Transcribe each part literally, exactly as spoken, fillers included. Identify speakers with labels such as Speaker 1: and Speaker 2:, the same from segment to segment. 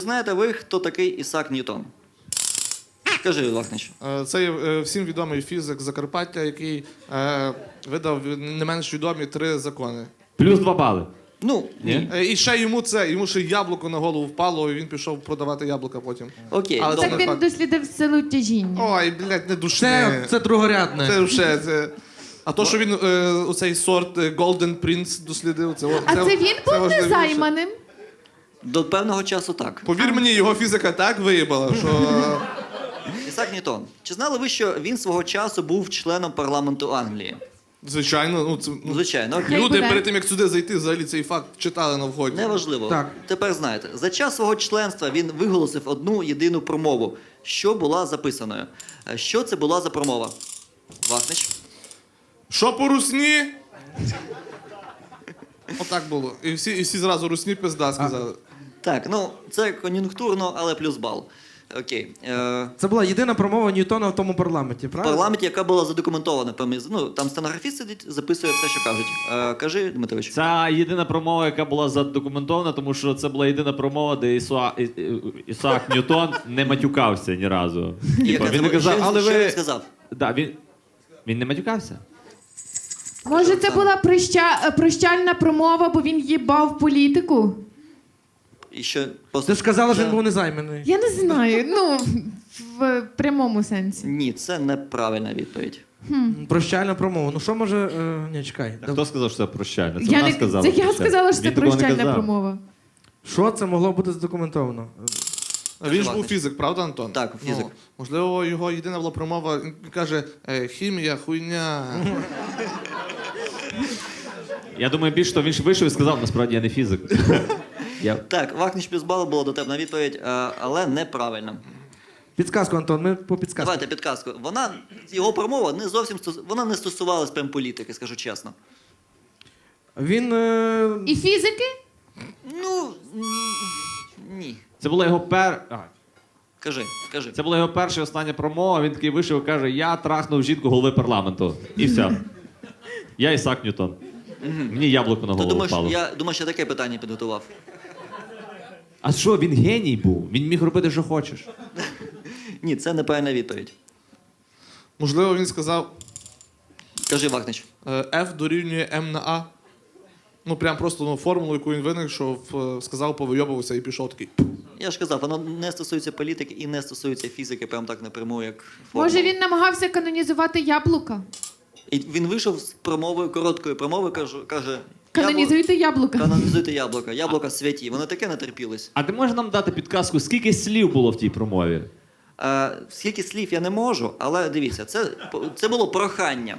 Speaker 1: Знаєте ви, хто такий Ісаак Ньютон? Скажи, Вахнич.
Speaker 2: Е, Це є е, всім відомий фізик Закарпаття, який е, видав не менш відомі три закони.
Speaker 3: Плюс два бали.
Speaker 1: Ну, ні.
Speaker 2: Е, І ще йому це, йому ще яблуко на голову впало, і він пішов продавати яблука потім.
Speaker 1: Окей,
Speaker 2: Але
Speaker 1: добре.
Speaker 2: це
Speaker 4: Так він дослідив силу тяжіння.
Speaker 2: Ой, блядь, не
Speaker 5: Це,
Speaker 2: душне.
Speaker 5: це другорядне.
Speaker 2: Це вже, це... А то, що він е, оцей сорт е, Golden Prince дослідив, це...
Speaker 4: А це він був
Speaker 2: важливіше.
Speaker 4: незайманим?
Speaker 1: До певного часу так.
Speaker 2: Повір мені, його фізика так виїбала, що...
Speaker 1: Ісаак Ньютон. Чи знали ви, що він свого часу був членом парламенту Англії?
Speaker 2: Звичайно, ну, це,
Speaker 1: Ну,
Speaker 2: ну,
Speaker 1: звичайно. окей.
Speaker 4: Хай
Speaker 2: люди
Speaker 4: буде.
Speaker 2: перед тим, як сюди зайти, взагалі цей факт читали на вході.
Speaker 1: Неважливо.
Speaker 5: Так.
Speaker 1: Тепер знаєте, за час свого членства він виголосив одну єдину промову, що була записаною. Е, Що це була за промова? Вахнич?
Speaker 2: Що по русні? Отак було. І всі, і всі зразу русні пизда сказали.
Speaker 1: Так, ну це кон'юнктурно, але плюс бал. Окей. Е,
Speaker 5: Це була єдина промова Ньютона в тому парламенті,
Speaker 1: в
Speaker 5: правда?
Speaker 1: парламенті, яка була задокументована. поміж- Ну, там стенографіст сидить, записує все, що кажуть. Е, кажи, Дмитрович.
Speaker 3: Це єдина промова, яка була задокументована, тому що це була єдина промова, де Ісуа... І- І- Ісаак Ньютон не матюкався ні разу.
Speaker 1: І
Speaker 3: Типа,
Speaker 1: яка
Speaker 3: він не
Speaker 1: це-
Speaker 3: казав,
Speaker 1: що,
Speaker 3: але
Speaker 1: що він
Speaker 3: ви...
Speaker 1: сказав?
Speaker 3: Да, він... він не матюкався.
Speaker 4: Може, це була проща... прощальна промова, бо він їбав політику?
Speaker 1: І що, просто...
Speaker 5: Ти ж казала, що
Speaker 1: Це-
Speaker 5: він був незайманий.
Speaker 4: Я не знаю, ну, в прямому сенсі.
Speaker 1: Ні, це неправильна відповідь.
Speaker 5: Прощальна промова. Ну що може. Е... Ні, чекай.
Speaker 3: А хто сказав, що це прощальне? Це
Speaker 4: Я
Speaker 3: вона
Speaker 4: не...
Speaker 3: сказала.
Speaker 4: Це я
Speaker 3: прощальне.
Speaker 4: сказала, що це
Speaker 3: Він такого не
Speaker 4: прощальна
Speaker 3: казав.
Speaker 4: промова.
Speaker 5: Що це могло бути задокументовано?
Speaker 2: А він ж був
Speaker 1: Вахнич.
Speaker 2: фізик, правда, Антон?
Speaker 1: Так, фізик.
Speaker 2: Ну, можливо, його єдина була промова, він каже, е, хімія, хуйня.
Speaker 3: Я думаю, більше того, він ж вийшов і сказав, насправді я не фізик. Я...
Speaker 1: Так, Вахнич плюс бал була дотепна відповідь, е, але неправильна.
Speaker 5: Підсказку, Антон, ми по підсказку.
Speaker 1: Давайте підказку. Вона, його промова не зовсім стос... вона не стосувалась прям політики, скажу чесно.
Speaker 5: Він. Е...
Speaker 4: І фізики?
Speaker 1: Ну, м, ні.
Speaker 3: Це була його пер... А,
Speaker 1: Кажи, кажи.
Speaker 3: Це була його перша і остання промова. Він такий вийшов і каже: я трахнув жінку голови парламенту. І все. Я Ісаак Ньютон. Мені яблуко на
Speaker 1: Ти
Speaker 3: голову
Speaker 1: думаєш,
Speaker 3: впало.
Speaker 1: я думаю, що таке питання підготував.
Speaker 3: А що, він геній був? Він міг робити, що хочеш.
Speaker 1: Ні, це неправильна відповідь.
Speaker 2: Можливо, він сказав,
Speaker 1: Кажи, Вахнич.
Speaker 2: е, F дорівнює М на А. Ну, прям просто ну, формулу, яку він винайшов, е, сказав, повийобувався і пішов такий.
Speaker 1: Я ж казав, воно не стосується політики і не стосується фізики, прям так напряму, як формула.
Speaker 4: Може, він намагався канонізувати яблука?
Speaker 1: І він вийшов з промовою, короткою промовою, каже, каже
Speaker 4: Канонізуйте яблука.
Speaker 1: канонізуйте яблука. Яблука святі. Вони таке натерпілись.
Speaker 3: А ти можеш нам дати підказку, скільки слів було в тій промові?
Speaker 1: Е, скільки слів я не можу, але дивіться, це, це було прохання.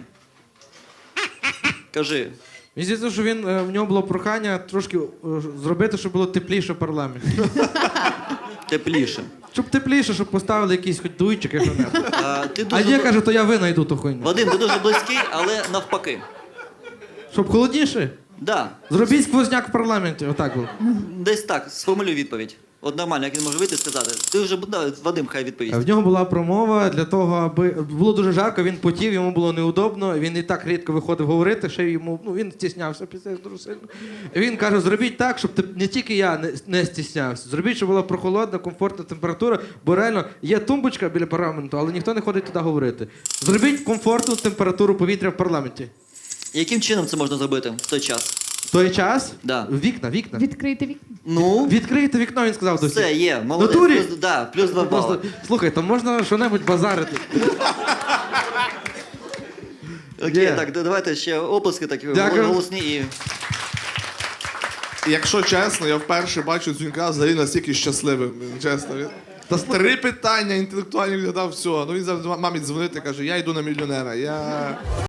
Speaker 1: Кажи.
Speaker 5: Мені здається, що він, е, в нього було прохання трошки е, зробити, щоб було тепліше в парламенті.
Speaker 1: Тепліше.
Speaker 5: Щоб тепліше, щоб поставили якийсь хоч дуйчик, якщо не.
Speaker 1: Е, ти
Speaker 5: А
Speaker 1: дуже...
Speaker 5: я каже, то я винайду ту хуйню.
Speaker 1: Вадим, ти дуже близький, але навпаки.
Speaker 5: Щоб холодніше?
Speaker 1: Да.
Speaker 5: Зробіть сквозняк в парламенті. Отак було.
Speaker 1: Десь так, сформулюй відповідь. От нормально, як він може вийти і сказати. Ти вже, да, Вадим, хай відповість.
Speaker 5: В нього була промова для того, аби було дуже жарко, він потів, йому було неудобно, він і так рідко виходив говорити, ще йому, ну він стіснявся після дуже сильно. Він каже, зробіть так, щоб ти- не тільки я не, не стіснявся. Зробіть, щоб була прохолодна, комфортна температура, бо реально є тумбочка біля парламенту, але ніхто не ходить туди говорити. Зробіть комфортну температуру повітря в парламенті.
Speaker 1: Яким чином це можна зробити в той час?
Speaker 5: В той час
Speaker 1: Да.
Speaker 5: вікна, вікна.
Speaker 4: Відкрийте вікно.
Speaker 1: Ну,
Speaker 5: Відкрийте вікно, він сказав до всіх.
Speaker 1: все, є, молодець.
Speaker 5: Натурі?
Speaker 1: Плюс, да, плюс два
Speaker 5: Просто,
Speaker 1: бали.
Speaker 5: слухай, то можна що-небудь базарити.
Speaker 1: Окей,
Speaker 5: Є.
Speaker 1: так, да- давайте ще оплески такі
Speaker 5: Дякую.
Speaker 1: голосні і...
Speaker 2: І якщо чесно, я вперше бачу Дзюнька взагалі настільки щасливим. Чесно. Він...
Speaker 5: Та
Speaker 2: Три питання інтелектуальні відгадав, все. Ну він завжди мамі дзвонити, каже, я йду на мільйонера. Я...